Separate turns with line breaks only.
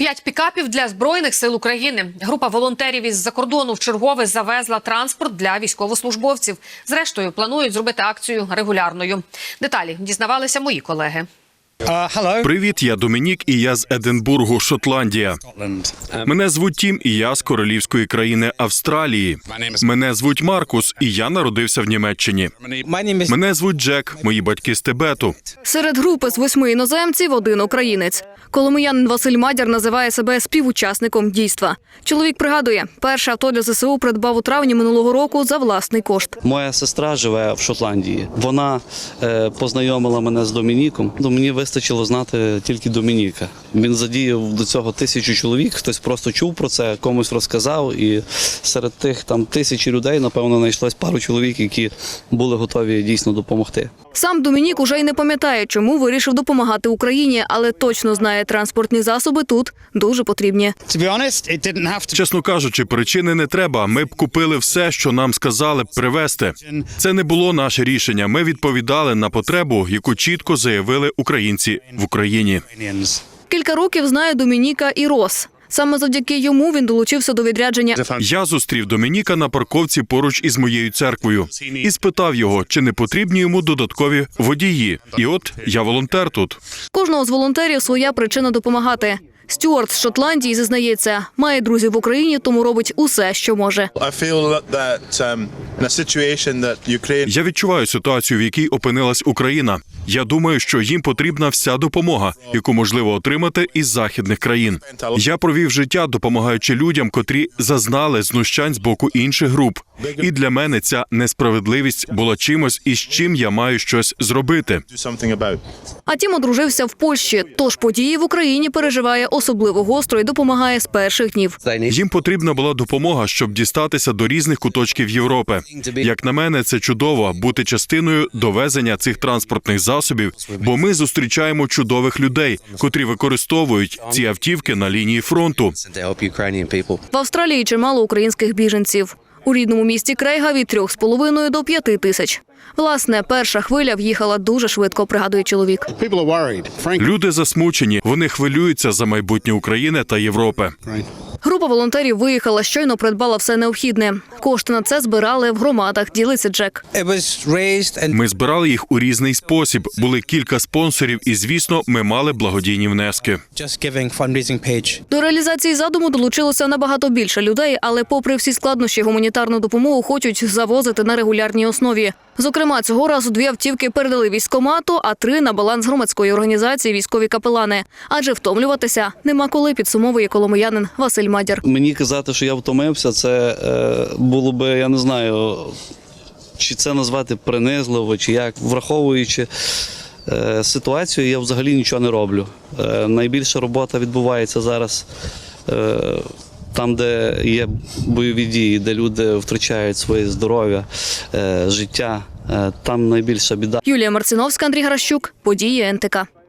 5 пікапів для Збройних сил України. Група волонтерів із-за кордону вчергове завезла транспорт для військовослужбовців. Зрештою, планують зробити акцію регулярною. Деталі дізнавалися мої колеги.
Привіт, я Домінік, і я з Единбургу, Шотландія. Мене звуть Тім, і я з королівської країни Австралії. Мене звуть Маркус, і я народився в Німеччині. Мене звуть Джек, мої батьки з Тибету.
Серед групи з 8 іноземців – один українець. Коломиянин Василь Мадяр називає себе співучасником дійства. Чоловік пригадує, перше авто для ЗСУ придбав у травні минулого року за власний кошт.
Моя сестра живе в Шотландії. Вона познайомила мене з Домініком. Мені вистачило знати тільки Домініка. Він задіяв до цього 1000 чоловік, хтось просто чув про це, комусь розказав. І серед тих 1000 людей, напевно, знайшлось пару чоловік, які були готові дійсно допомогти.
Сам Домінік уже й не пам'ятає, чому вирішив допомагати Україні, але точно знає, транспортні засоби тут дуже потрібні.
Чесно кажучи, причини не треба. Ми б купили все, що нам сказали б привезти. Це не було наше рішення. Ми відповідали на потребу, яку чітко заявили українці в Україні.
Кілька років знає Домініка і Рос. Саме завдяки йому він долучився до відрядження.
Я зустрів Домініка на парковці поруч із моєю церквою і спитав його, чи не потрібні йому додаткові водії. І от я волонтер тут.
Кожного з волонтерів своя причина допомагати. Стюарт з Шотландії зізнається, має друзів в Україні, тому робить усе, що може.
Я відчуваю ситуацію, в якій опинилась Україна. Я думаю, що їм потрібна вся допомога, яку можливо отримати із західних країн. Я провів життя, допомагаючи людям, котрі зазнали знущань з боку інших груп. І для мене ця несправедливість була чимось, із чим я маю щось зробити.
А Тім одружився в Польщі, тож події в Україні переживає особливо гостро і допомагає з перших днів.
Їм потрібна була допомога, щоб дістатися до різних куточків Європи. Як на мене, це чудово – бути частиною довезення цих транспортних засобів, бо ми зустрічаємо чудових людей, котрі використовують ці автівки на лінії фронту.
В Австралії чимало українських біженців. У рідному місті Крейга від 3,5 до 5 тисяч. Власне, перша хвиля в'їхала дуже швидко, пригадує чоловік.
Люди засмучені, вони хвилюються за майбутнє України та Європи.
Група волонтерів виїхала, щойно придбала все необхідне. Кошти на це збирали в громадах, ділиться Джек.
Ми збирали їх у різний спосіб. Були кілька спонсорів і, звісно, ми мали благодійні внески.
До реалізації задуму долучилося набагато більше людей, але попри всі складнощі гуманітарну допомогу хочуть завозити на регулярній основі. Зокрема, цього разу 2 автівки передали військкомату, а 3 – на баланс громадської організації «Військові капелани». Адже втомлюватися нема коли, підсумовує коломиянин Василь Мадяр.
Мені казати, що я втомився, це було би, я не знаю, чи це назвати принизливо, чи як. Враховуючи ситуацію, я взагалі нічого не роблю. Найбільша робота відбувається зараз там, де є бойові дії, де люди втрачають своє здоров'я, життя. Там найбільша біда.
Юлія Марциновська, Андрій Гращук. Події НТК.